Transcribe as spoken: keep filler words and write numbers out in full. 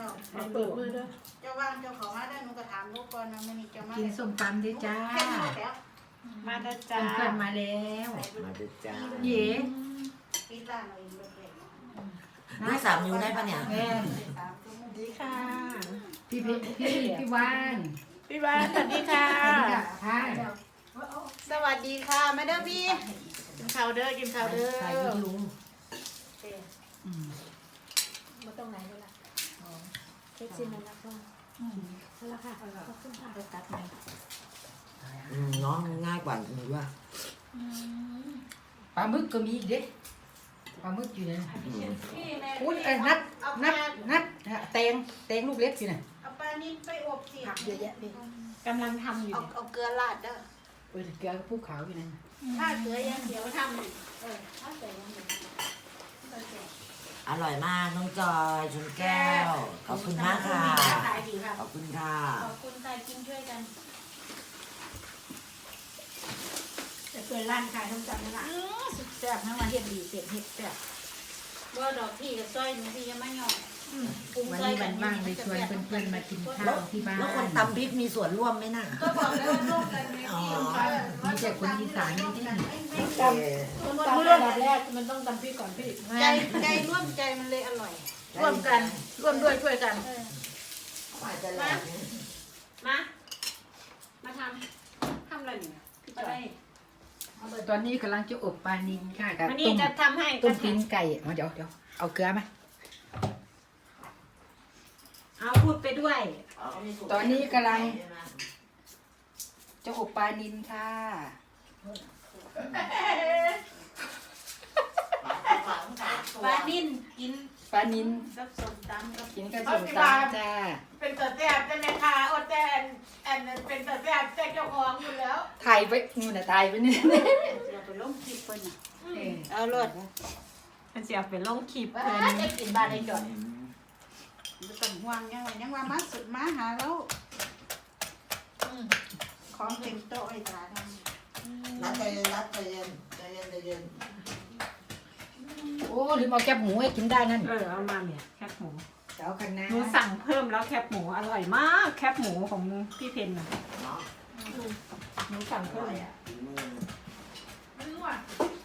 เปิดมือด้วยเจ้าว่างเจ้าของมาได้หนูก็ถามลูกก่อนนะมันนี่เจ้ามากินส้มตำด้วยจ้ามาได้จ้าเพื่อนๆมาแล้วมาดูจ้าเย่ปิดร้านเราเองเลยนี่สามนิ้วได้ปะเนี่ยแม่ดีค่ะพี่พี่พี่พี่วานพี่บ้านสวัสดีค่ะค่ะสวัสดีค่ะมาเด้อพี่กินข้าวเด้อกินข้าวเด้อใส่วิดีโออืมมาตรงไหนเลยล่ะเช็คซิมแล้วก็นั่นแหละค่ะขอบคุณค่ะไปตัดไหมอืมน้องง่ายกว่าหนูว่าปลาหมึกก็มีอีกเด้ปลาหมึกอยู่นะพี่แม่อุ้ยเอ้ยนัดนัดนัดแตงแตงลูกเล็กอยู่น่ะเอาปลานิ่ไปอบสิผักเยอะแยะพี่กำลังทำอยู่เอาเอาเกลือราดเด้อเปิดเกลือภูเขาอยู่นั่นถ้าเกลือยังเดี๋ยวทำเออถ้าเกลือยังเดี๋ยวอร่อยมากน้องจอยชนแก้ว ขอบคุณมากค่ะขายดีค่ะขอบคุณค่ะขอบคุณค่ะกินช่วยกันแต่เปิดร้านขายส้มตำนั่นแหละอือสุดแซ่บทั้งวันเฮ็ดดีเสร็จเฮ็ดแซ่บว่าดอกที่กับซอยหนูพี่ยังไม่ยอมปรุงวันซอยนี้กัวัน นว่างเลยชวนเพื่อนๆมากินข้าแล้ว วที่บ้านแล้วคนตำพริกมีส่วนร่วมไหมน่ะก็บอกแล้วว่าร่วมกันไงพี่มีแต่คนอีสานนี่ที่โอเคส้มตำระดับแรกมันต้องตำพริกก่อนพี่ใจใจร่วมใจมันเลยอร่อย ร่วมกันร่วมด้วยช่วยกันอาจจะแหลกนะมา มาทำทำอะไรเนี่ยพี่จอยตอนนี้กำลังจะอบปลานิลค่ะกับวันนี้ต้มจะทำให้ต้มตีนไก่เอาเดี๋ยวเดี๋ยวเอาเกลือมาเอาพูดไปด้วยตอนนี้กำลังจะอบปลานิลค่ะปลานิ่นกินปลานิลกับส้มตำกับกินกับส้มตำจ้าเป็นตัวแซ่บใช่ไหมคะอดแต่อันนั้นเป็นตัวแซ่บแซ่บเจ้าของอยู่แล้วถ่ายไปนู่นน่ะถ่ายไปนี่เราไปลงคลิปเพิ่นน่ะเออเอารถมันเสียเป็นลงคลิปเพิ่เพิ่นนจะกินบ้านได้จอดไม่ต้องห่วงยังว่ายังว่ามาสุดมาหาแล้วอืมของเต็มโต๊ะไอ้ตาทำรัดใจเย็นรัดใจเย็นใจเย็นใจเย็นโอ้ลืมเอาแคบหมูให้กินได้นั่นเออเอามาเนี่ยแคบหมูเดี๋ยวกันนะหนูสั่งเพิ่มแล้วแคบหมูอร่อยมากแคบหมูของพี่เพนน่ะเนาะหนูสั่งอเพิ่มร่อยเลยอ่ะฝีมือไม่รู้อ่ะ